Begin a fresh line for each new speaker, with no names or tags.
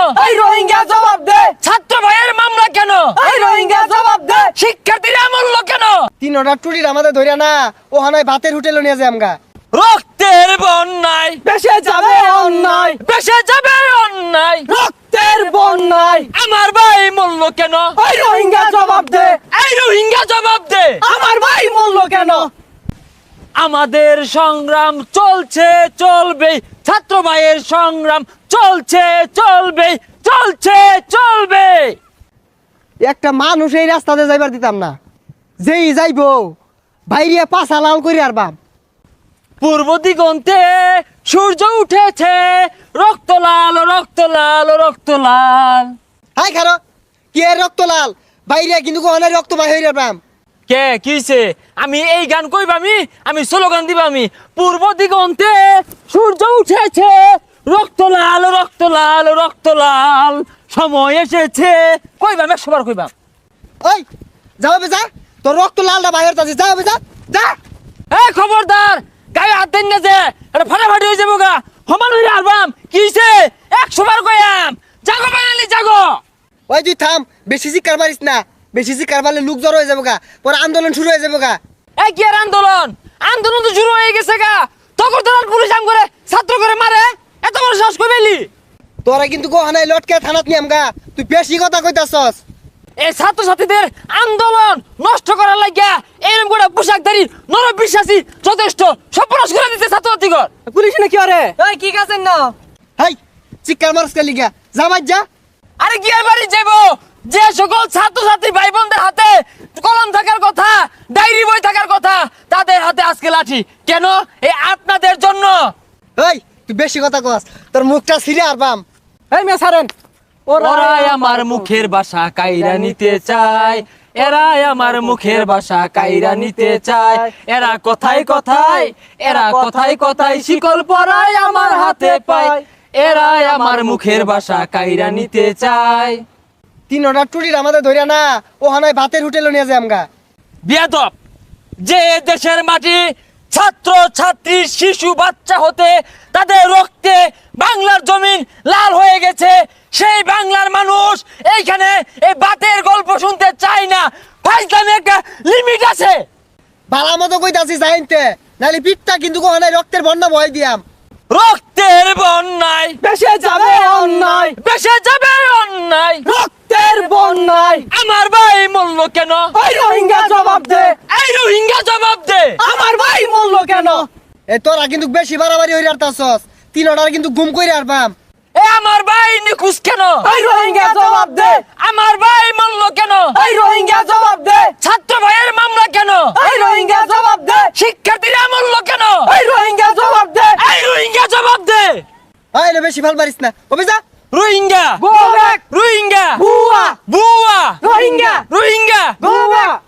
এই রোহিঙ্গা জবাব দে।
ছাত্র ভাইয়ের মামলা কেন?
এই রোহিঙ্গা জবাব দে।
শিক্ষার্থীরা মূল্য কেন?
3 টুরির আমাদের ধরে না ও হানায় ভাতের হোটেলে নিয়ে যায় আমগা।
রক্তের বন্যায়
বেশে যাবে অন্যায়,
বেসে যাবে অন্যায়।
রক্তের বন্যায়
আমার ভাই মূল্য কেন?
এই রোহিঙ্গা জবাব দে।
এই রোহিঙ্গা জবাব দে।
আমার ভাই মূল্য কেন?
আমাদের সংগ্রাম চলছে চলবে, ছাত্র ভাইয়ের সংগ্রাম চলছে চলবে, চলছে চলবে।
একটা মানুষ এই রাস্তাতে যাইবার দিতাম না, যেই যাইবো বাইরিয়া পাছা লাল করি আর বাপ।
পূর্ব দিগন্তে সূর্য উঠেছে, রক্ত লাল রক্ত লাল রক্ত লাল।
হাই খারো কি এর রক্ত লাল বাইরিয়া কিন্তু কোহানায় রক্ত বাই হইরা বাম।
কে কিছে? আমি এই গান কইবা, আমি স্লোগান দিবা। আমি পূর্ব দিগন্তে সূর্য উঠেছে, রক্ত লাল রক্ত লাল রক্ত লাল, সময় এসেছে কইবা, 100 বার কইবা।
ওই যাও বেজা, তোর রক্ত লালটা বাইরে তাছে, যাও বেজা যা।
এই খবরদার, গায়ে হাত দেন না যে, এটা ফাটাফাটি হয়ে যাবো গা। সমান হইলে আলবাম কিছে 100 বার কইয়াম। জাগো বাঙালি জাগো।
ওই তুই থাম, বেশি চিৎকার মারিস না, বেশি চিৎকার মারলে লোক জড়ো হয়ে যাবো গা, পরে আন্দোলন শুরু হয়ে যাবো গা।
এই কি আর আন্দোলন? আন্দোলন তো শুরু হয়ে গেছে গা। তখন তো পুলিশ আম করে ছাত্র করে মারে, এত বড় সাহস কই পেলি?
তোরা কিন্তু কোহানায় লটকে থানাত নিয়াম গা, তুই বেশি কথা কইতাছস।
এই ছাত্রছাত্রীদের আন্দোলন নষ্ট করার লাগিয়া এরকম করে পোশাকধারী নরবিশ্বাসী যথেষ্ট সর্বনাশ করে দিতে ছাত্রছাত্রীগণ।
পুলিশ না কি আরে? এই কি কাছেন না?
হাই চিৎকার মারস কে লিগা, যা বাজ যা।
আরে কি আর বাড়ি যাবো? যে সকল ছাত্রছাত্রী ভাই বোনদের হাতে কলম থাকার কথা, ডায়েরি বই থাকার কথা, তাদের হাতে আজকে লাঠি কেন? এই আপনাদের জন্য।
এই তুই বেশি কথা কস, তোর মুখটা ছিঁড়ে আর বাম।
এই মেয়ে ছাড়েন।
ওরাই আমার মুখের ভাষা কাইরা নিতে চায়, এরাই আমার মুখের ভাষা কাইরা নিতে চায়। এরা কথায় কথায়, এরা কথায় কথায় শিকল পরায় আমার হাতে পায়। এরাই আমার মুখের ভাষা কাইরা নিতে চায়।
3 টুরির আমাদের ধরে না ও হানায় ভাতের হোটেলে নিয়ে যায় আমগা।
বিয়াদব, যে দেশের মাটি ছাত্র ছাত্রী শিশু বাচ্চা হতে তাদের রক্তে বাংলার জমিন লাল হয়ে গেছে, সেই বাংলার মানুষ এইখানে এই বাতের গল্প শুনতে চায় না। ফাইজলামে একটা লিমিট আছে।
বালা মতো কইতাছি যাইতে, নালি পিঠটা কিন্তু কোহানায় রক্তের বন্যা বয় দিয়াম।
রক্তের বন্যায়
বেশে যাবে অন্যায়,
বেসে যাবে অন্যায়।
রক্তের বন্যায়
আমার ভাই মূল্য কেন?
এই রোহিঙ্গা জবাব দে।
এই রোহিঙ্গা জবাব দে।
আমার ভাই মূল্য কেন?
এ তোরা কিন্তু বেশি বাড়াবাড়ি হইরে আরতাছস, 3 কিন্তু গুম কইরে আর বাম।
এ আমার ভাই নিখুঁজ কেন?
এই রোহিঙ্গা জবাব দে।
আমার ভাই মূল্য কেন?
এই রোহিঙ্গা জবাব দে।
ছাত্র ভাইয়ের মামলা কেন?
এই রোহিঙ্গা জবাব দে।
শিক্ষার্থীরা মূল্য কেন?
এই রোহিঙ্গা জবাব দে।
এই রোহিঙ্গা জবাব দে।
আই না বেশি ভাল পারিস না, ও বেজা।
Rohingya
Go back.
রোহিঙ্গা
বুয়া
বুয়া
রোহিঙ্গা
রোহিঙ্গা
go back.